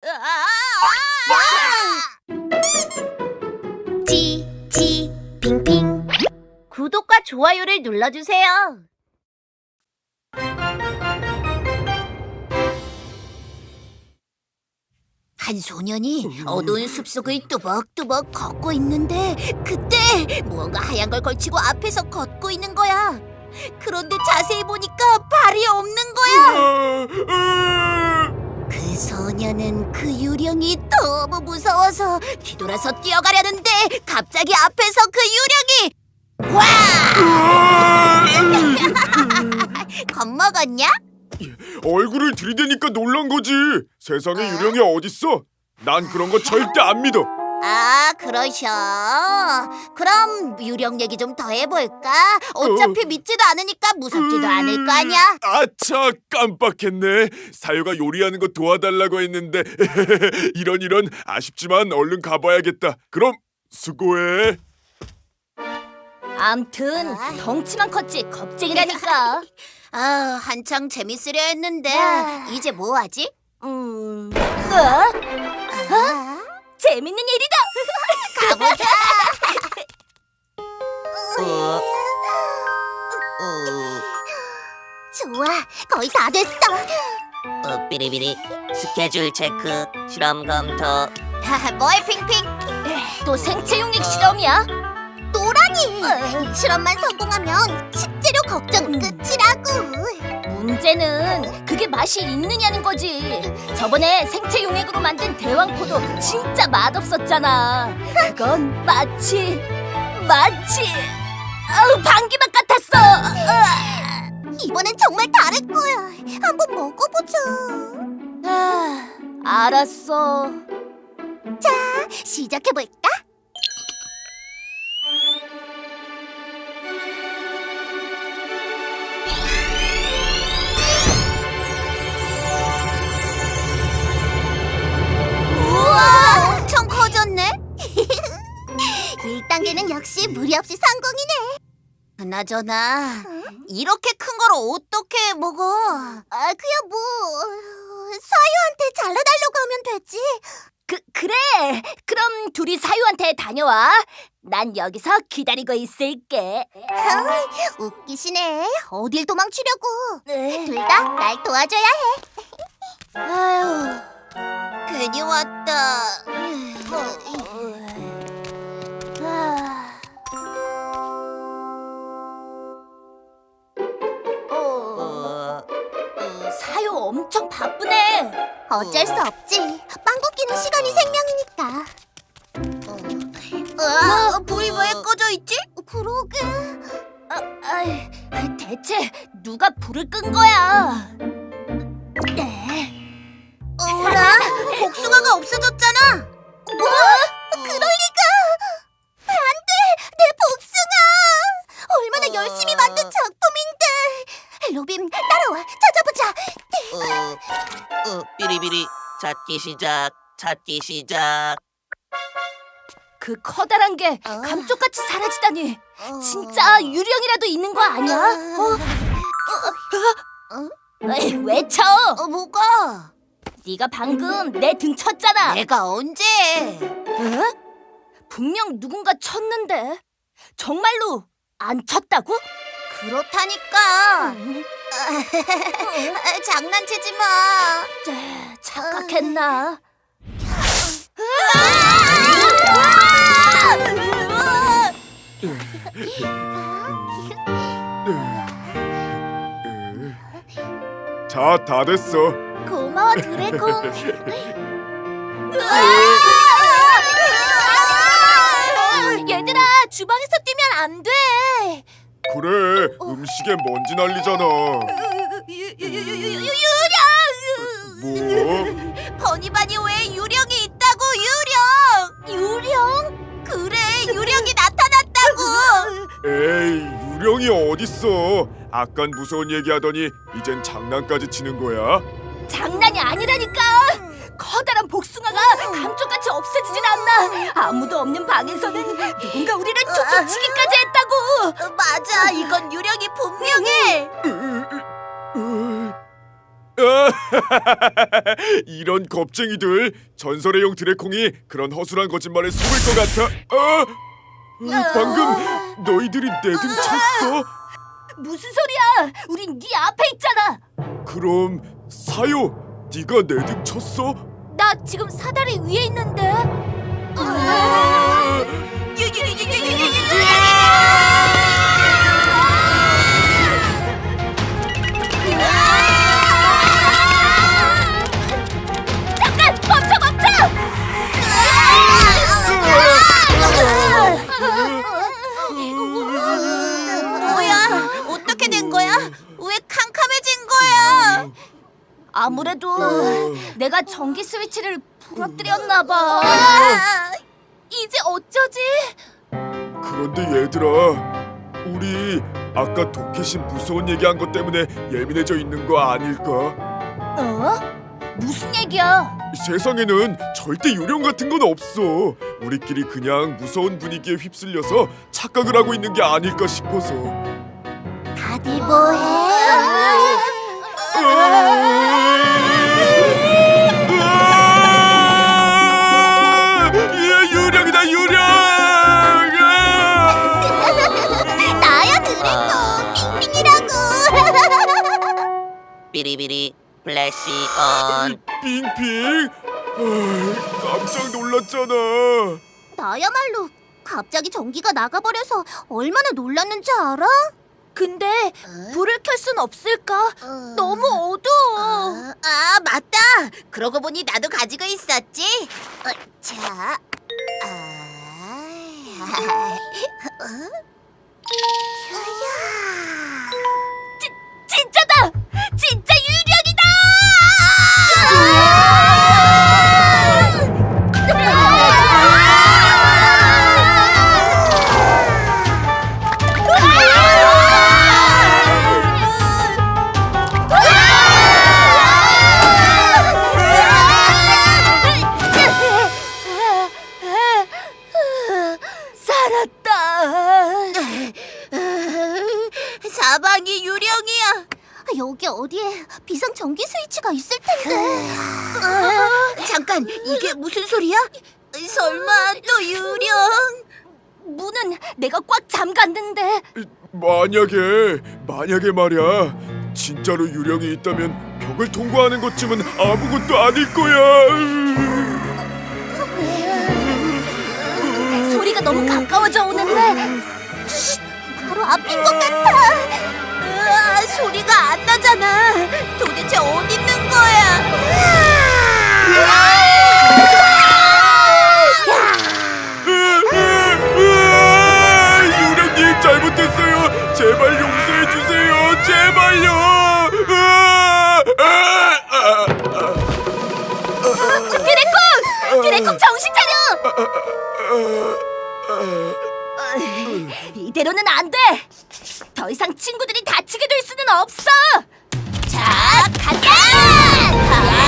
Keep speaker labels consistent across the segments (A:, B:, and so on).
A: 지 핑핑 구독과 좋아요를 눌러주세요. 한 소년이 어두운 숲속을 뚜벅뚜벅 걷고 있는데 그때 무언가 하얀 걸 걸치고 앞에서 걷고 있는 거야. 그런데 자세히 보니까 발이 없는 거야. 그 소년은 그 유령이 너무 무서워서 뒤돌아서 뛰어가려는데 갑자기 앞에서 그 유령이 와! 겁먹었냐?
B: 얼굴을 들이대니까 놀란 거지. 세상에 유령이 어딨어? 난 그런 거 절대 안 믿어.
A: 아, 그러셔. 그럼 유령 얘기 좀 더 해볼까? 어차피 믿지도 않으니까 무섭지도 않을 거 아니야.
B: 아차, 깜빡했네. 사유가 요리하는 거 도와달라고 했는데 이런 아쉽지만 얼른 가봐야겠다. 그럼 수고해.
C: 암튼 덩치만 컸지 겁쟁이라니까.
A: 아, 한창 재밌으려 했는데 이제 뭐 하지?
C: 재밌는 일이다.
A: 가보자. 좋아, 거의 다 됐어.
D: 삐리삐리 스케줄 체크 실험 검토.
A: 뭐해, 핑핑?
C: 또 생체 용액 실험이야?
A: 노라니. 실험만 성공하면 식재료 걱정은 끝이라고.
C: 문제는 그게 맛이 있느냐는 거지. 저번에 생체 용액으로 만든 대왕포도 진짜 맛없었잖아. 그건 마치 방귀맛 같았어.
A: 이번엔 정말 다를 거야. 한번 먹어보자.
C: 알았어.
A: 자, 시작해볼까? 우와, 엄청 커졌네. 1단계는 역시 무리 없이 성공이네. 그나저나 이렇게 큰 걸 어떻게 먹어? 그야 뭐 사유한테 잘라달라고 하면 되지.
C: 그래. 그럼 둘이 사유한테 다녀와. 난 여기서 기다리고 있을게.
A: 웃기시네. 어딜 도망치려고.
C: 네.
A: 둘 다 날 도와줘야 해.
C: 아휴.
A: 괜히 왔다.
C: 사유 엄청 바쁘네.
A: 어쩔 수 없지. 빵 굽기는 시간이 생명이니까. 불이 왜 꺼져 있지? 그러게.
C: 대체 누가 불을 끈 거야?
A: 어라? 복숭아가 없어졌잖아. 뭐? 그럴 리가? 안 돼! 내 복숭아! 얼마나 열심히 만든 작품인데! 로빈, 따라와! 찾아보자!
D: 삐리삐리 찾기 시작.
C: 그 커다란 게 감쪽같이 사라지다니. 진짜 유령이라도 있는 거 아니야? 왜 쳐?
A: 뭐가?
C: 네가 방금 내 등 쳤잖아.
A: 내가 언제?
C: 분명 누군가 쳤는데. 정말로 안 쳤다고?
A: 그렇다니까. 장난치지 마.
C: 착각했나?
B: 자, 다 됐어.
A: 고마워, 드래곤.
C: 얘들아, 주방에서 뛰면 안 돼.
B: 그래, 음식에 먼지 날리잖아. 뭐?
A: 버니바니 왜 유령이 있다고, 유령? 그래, 유령이 나타났다고.
B: 에이, 유령이 어딨어? 아깐 무서운 얘기하더니 이젠 장난까지 치는 거야?
C: 장난이 아니라니까. 커다란 복숭아가 감쪽같이 없어지질 않나. 아무도 없는 방에서는 누군가 우리를 툭툭 치기까지 했다고.
A: 맞아, 이건 유령이 분명해.
B: 이런 겁쟁이들. 전설의 용 드래콩이 그런 허술한 거짓말에 속을 것 같아. 방금 너희들이 내 등 쳤어?
C: 무슨 소리야? 우린 네 앞에 있잖아.
B: 그럼 사요, 네가 내 등 쳤어?
C: 나 지금 사다리 위에 있는데. 잠깐 멈춰!
A: 뭐야? 어떻게 된 거야? 왜 캄캄해진 거야?
C: 아무래도 내가 전기 스위치를 부러뜨렸나 봐. 이제 어쩌지?
B: 그런데 얘들아, 우리 아까 도켓이 무서운 얘기한 것 때문에 예민해져 있는 거 아닐까?
C: 어? 무슨 얘기야?
B: 세상에는 절대 요령 같은 건 없어. 우리끼리 그냥 무서운 분위기에 휩쓸려서 착각을 하고 있는 게 아닐까 싶어서.
A: 다들 뭐해?
B: 유령이다, 유령!
A: 나야 드래곤 핑핑이라고.
D: 삐리비리 플래시 온.
B: 빙빙? 깜짝 놀랐잖아.
A: 나야말로 갑자기 전기가 나가버려서 얼마나 놀랐는지 알아?
C: 근데 불을 켤 순 없을까? 너무 어두워.
A: 맞다. 그러고 보니 나도 가지고 있었지. 자,
C: 진짜다! 진짜 유령이다! 살았다.
A: 사방이 유령이야. 여기 어디에 비상 전기 스위치가 있을 텐데. 잠깐, 이게 무슨 소리야? 설마 또 유령?
C: 문은 내가 꽉 잠갔는데.
B: 만약에 말이야, 진짜로 유령이 있다면 벽을 통과하는 것쯤은 아무것도 아닐 거야.
C: 소리가 너무 가까워져 오는데.
A: 바로 앞인 것 같아. 소리가 안 나잖아. 도대체 어디 있는 거야?
B: 유령님 잘못했어요. 제발 용서해 주세요. 제발요.
C: 드래콩 정신 차려! 이대로는 안 돼. 더 이상 친구들이 다치게 될 수는 없어. 자, 가자!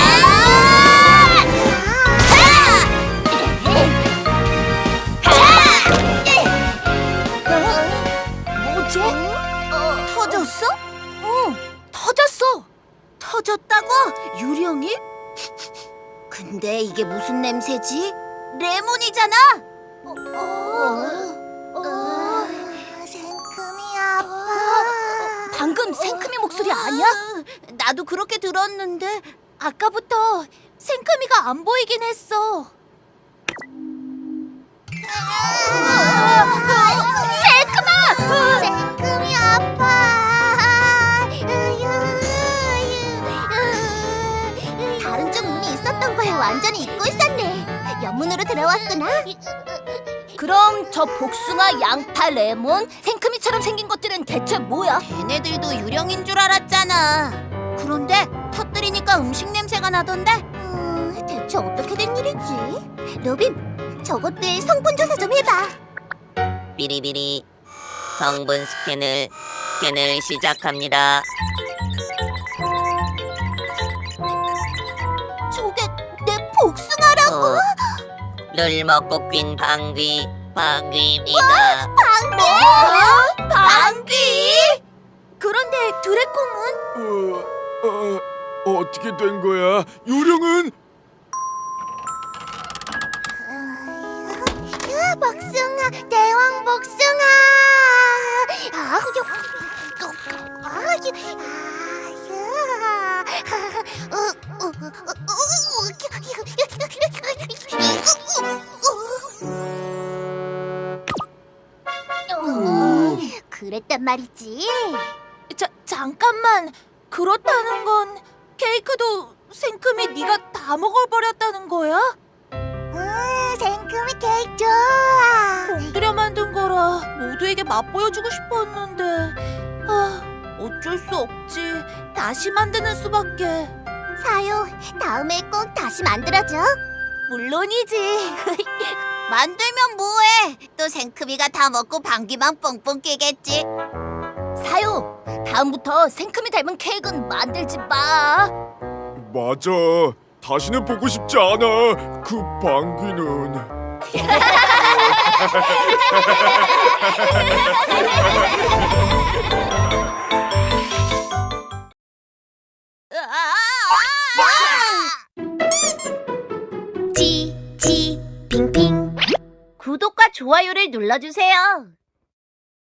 C: 뭐지?
A: 터졌어?
C: 응, 터졌어.
A: 터졌다고? 유령이? 근데 이게 무슨 냄새지? 레몬이잖아. 생큼이 아파.
C: 방금 생크미 목소리 아니야?
A: 나도 그렇게 들었는데.
C: 아까부터 생크미가 안 보이긴 했어. 생크마!
A: 생큼이 아파. 다른 쪽 문이 있었던 걸 완전히 잊고 있었네. 옆문으로 들어왔구나.
C: 그럼 저 복숭아, 양파, 레몬, 생크미처럼 생긴 것들은 대체 뭐야?
A: 걔네들도 유령인 줄 알았잖아. 그런데 터뜨리니까 음식 냄새가 나던데? 대체 어떻게 된 일이지? 로빈, 저것들 성분 조사 좀 해봐.
D: 삐리비리 성분 스캔을 시작합니다.
A: 저게 내 복숭아라고?
D: 를 먹고 뀐 방귀입니다.
A: 방귀?
C: 그런데 드래콩은?
B: 어떻게 된 거야? 요령은?
A: 복숭아, 대왕 복숭아. 그랬단 말이지.
C: 잠깐만. 그렇다는 건 케이크도 생크미 네가 다 먹어버렸다는 거야?
A: 생크미 케이크 좋아.
C: 공들여 만든 거라 모두에게 맛보여주고 싶었는데 어쩔 수 없지. 다시 만드는 수밖에.
A: 사요, 다음에 꼭 다시 만들어줘.
C: 물론이지.
A: 만들면 뭐해? 또 생크미가 다 먹고 방귀만 뻥뻥 끼겠지.
C: 사요, 다음부터 생크미 닮은 케이크는 만들지 마.
B: 맞아. 다시는 보고 싶지 않아. 그 방귀는.
A: 지, 핑핑. 구독과 좋아요를 눌러주세요.